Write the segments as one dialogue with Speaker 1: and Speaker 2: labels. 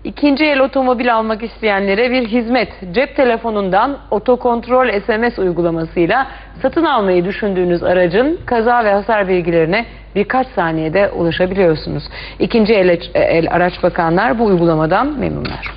Speaker 1: İkinci el otomobil almak isteyenlere bir hizmet. Cep telefonundan otokontrol SMS uygulamasıyla satın almayı düşündüğünüz aracın kaza ve hasar bilgilerine birkaç saniyede ulaşabiliyorsunuz. İkinci el araç bakanlar bu uygulamadan memnunlar.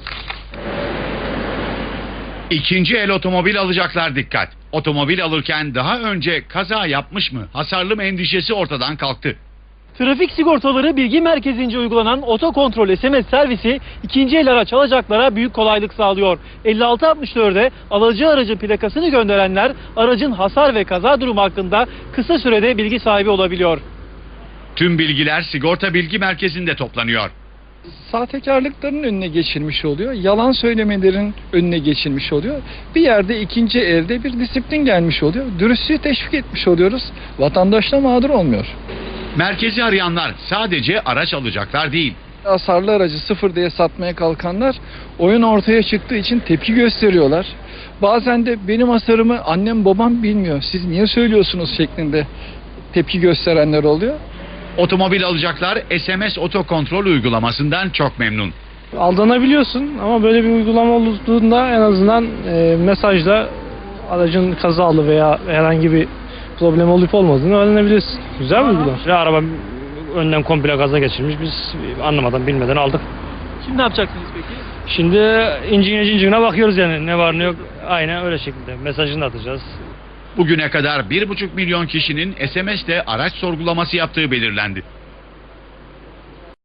Speaker 2: İkinci el otomobil alacaklar dikkat. Otomobil alırken daha önce kaza yapmış mı, hasarlı mı endişesi ortadan kalktı.
Speaker 3: Trafik Sigortaları Bilgi Merkezi'nce uygulanan otokontrol SMS servisi ikinci el araç alacaklara büyük kolaylık sağlıyor. 5664'e alıcı aracın plakasını gönderenler aracın hasar ve kaza durumu hakkında kısa sürede bilgi sahibi olabiliyor.
Speaker 2: Tüm bilgiler Sigorta Bilgi Merkezi'nde toplanıyor.
Speaker 4: Sahtekarlıkların önüne geçilmiş oluyor. Yalan söylemelerin önüne geçilmiş oluyor. Bir yerde ikinci elde bir disiplin gelmiş oluyor. Dürüstlüğü teşvik etmiş oluyoruz. Vatandaş da mağdur olmuyor.
Speaker 2: Merkezi arayanlar sadece araç alacaklar değil.
Speaker 4: Hasarlı aracı sıfır diye satmaya kalkanlar oyun ortaya çıktığı için tepki gösteriyorlar. Bazen de benim hasarımı annem babam bilmiyor, siz niye söylüyorsunuz şeklinde tepki gösterenler oluyor.
Speaker 2: Otomobil alacaklar SMS otokontrol uygulamasından çok memnun.
Speaker 5: Aldanabiliyorsun ama böyle bir uygulama olduğunda en azından mesajla aracın kazalı veya herhangi bir problem olup olmadığını öğrenebilirsin. Güzel bir uygulama.
Speaker 6: Araba önden komple gaza geçirmiş. Biz anlamadan bilmeden aldık.
Speaker 3: Şimdi ne yapacaksınız peki?
Speaker 6: Şimdi incine bakıyoruz yani ne var ne yok. Aynen öyle şekilde mesajını atacağız.
Speaker 2: Bugüne kadar 1,5 milyon kişinin SMS'te araç sorgulaması yaptığı belirlendi.